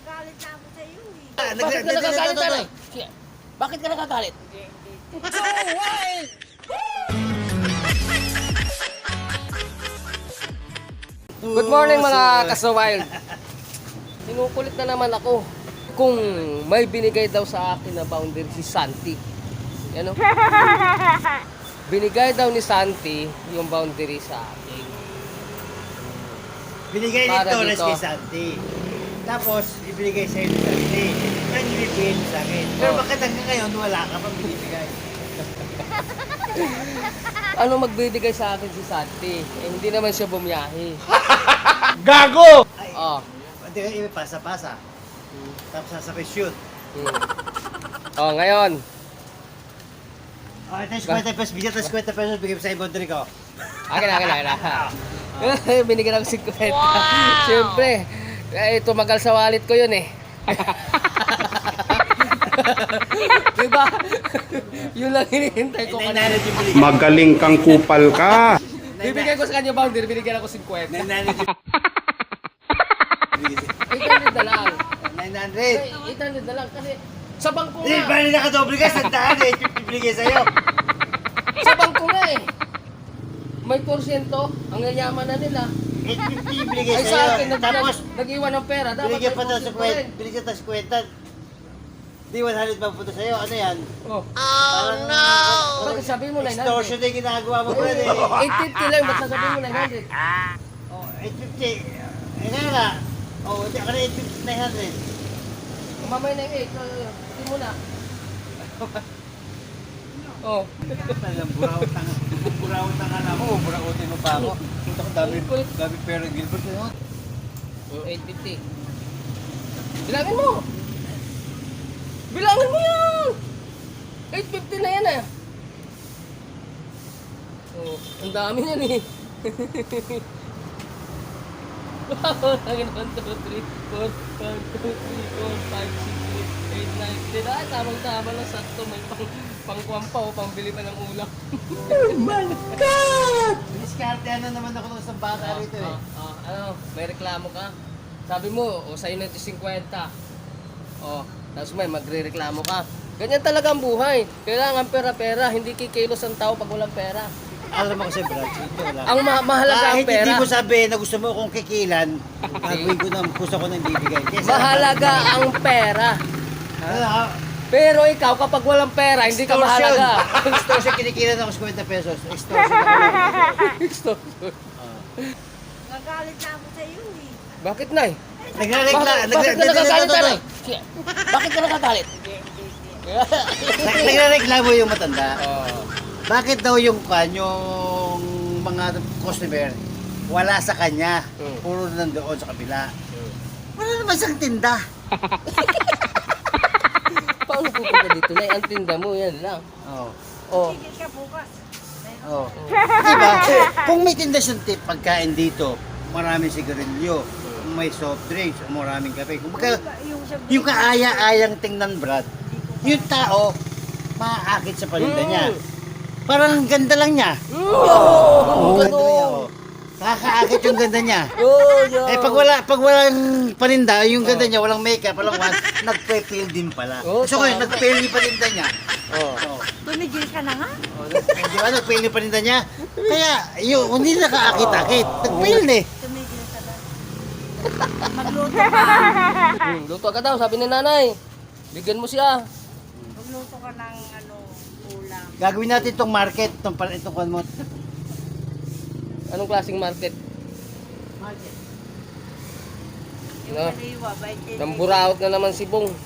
Nagagalit na ako sa iyo eh. Bakit ka nagagalit, nanay? Bakit ka nagagalit? Hindi. Good morning mga ka-wild. Sinukulit na naman ako kung may binigay daw sa akin na boundary si Santi. Yan o. Binigay daw ni Santi yung boundary sa akin. Binigay ni Para Torres dito. kay Santi. Tapos, ibinigay sa'yo ni Santi. Ang ibibigay mo sa akin. Pero Oh. bakit hanggang ngayon wala ka pang binibigay? Ano magbibigay sa akin si Santi? Eh, hindi naman siya bumiyahe. Gago! Ay, Oh. hindi ka pasa-pasa. Tapos sasabay shoot. Oh, ngayon. Oh, ito yung 50 pesos. Bigyan ito 50 pesos. Bigyan mo sa ibon ko. Akin. Binigyan ako 50. Siyempre, tumagal sa wallet ko yun eh. Diba? Yun lang hinihintay ko kanina. 900 yung binigay. Magaling kang kupal ka. Bibigyan ko sa kanya boundary, binigyan ako 50. 900 yung 800 na lang. 900. 800 na lang kasi sa bangko Hindi, nga. bali nakadoble ka. Sandaan eh. 50 binigay sa'yo. Sa bangko nga eh. May porsyento. Ang yayaman na nila. 850 yung binigay Ay sa sa'yo. akin, Tapos, nag-iwan ng pera. Dapat binigyan may pa daw sa porsyento rin. kwenta. Binigyan tayo sa kwenta. Di 100 ba punta sa'yo? Ano yan? Oh. Parang, Bakit sabi mo 900? extortion na yung ginagawa mo, brad eh. 850 lang, ba't sasabihin mo 900? Oh, 850. Eh nga nga. Oh, hindi ako na 850, 900. Mamay na yung 8, hindi mo na. Oh. Talagang burawot ang alam mo. Burawutin mo pa ako. Punta ko dami pera Gilbert. Ano? 850. Bilangin mo! Bilangin mo yan! 850 na yan eh. Oh, ang dami yan eh. Lagin 1, 2, 3, 4, 1, 2, 3, 4, 5, 6, 7, 8, 9, 10. Ay, tamang-tama lang sakto. May pangkuwan pa o pambili pa ng ulam. Oh my God! Diskarte ano naman ako ng isang bata rito eh. Ano, may reklamo ka? Sabi mo, o sa'yo na ito 50. O, tapos may magre-reklamo ka. Ganyan talaga ang buhay. Kailangan pera-pera, hindi kikilos ang tao pag walang pera. Alam mo kasi Brad, ito lang. Ang mahalaga ang Kahit pera. hindi mo sabihin na gusto mo kong kikilan, gagawin ko ng puso ko nang bibigay. Kesa- Mahalaga ang pera. Ano, Pero ikaw, kapag walang pera, hindi ka extortion. mahalaga. Extortion, kinikilan ako sa 50 pesos. Extortion ako lang. Nagagalit na ako sa iyo eh. Bakit, Nay? Nagre-reklamo. Bakit ka nagagalit, Nay? Bakit ka nagagalit? Nagre-reklamo yung matanda. Oh. Bakit daw yung mga customer wala sa kanya, puro nandoon sa kabila. Wala naman siyang tinda. Paano pupunta dito, Nay? Ang tinda mo, yan lang. Oh. Oh. Tigil ka bukas. Oh. Diba? Kung may tinda siyang pagkain dito, maraming sigarilyo, may soft drinks, maraming kape. Kung yung kaaya-ayang tingnan, Brad, yung tao, maaakit sa paninda niya. Parang ang ganda lang niya. Oh, Ganda niya, oh. Nakakaakit yung ganda niya. Oh, yeah. Eh pag walang paninda, yung ganda niya, walang makeup, walang one, nagpe-fail din pala. Oh, So ngayon, tama. nagpe-fail yung paninda niya. Oh. Oh. Tumigil ka na nga. Di ba, nagpe-fail yung paninda niya? Kaya, yun, hindi nakaakit-akit. Nag-fail na eh. Tumigil ka na. Magluto ka. Luto ka daw, sabi ni nanay. Bigyan mo siya. Magluto ka ng ulam. Gagawin natin itong market, itong kwan mo. Anong klaseng market? Market. Yung No. kaliwa, 20. Namburaot na naman si Bong.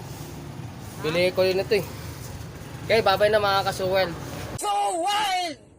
Bili ko yun ito eh. Okay, babay na mga ka-wild. So wild!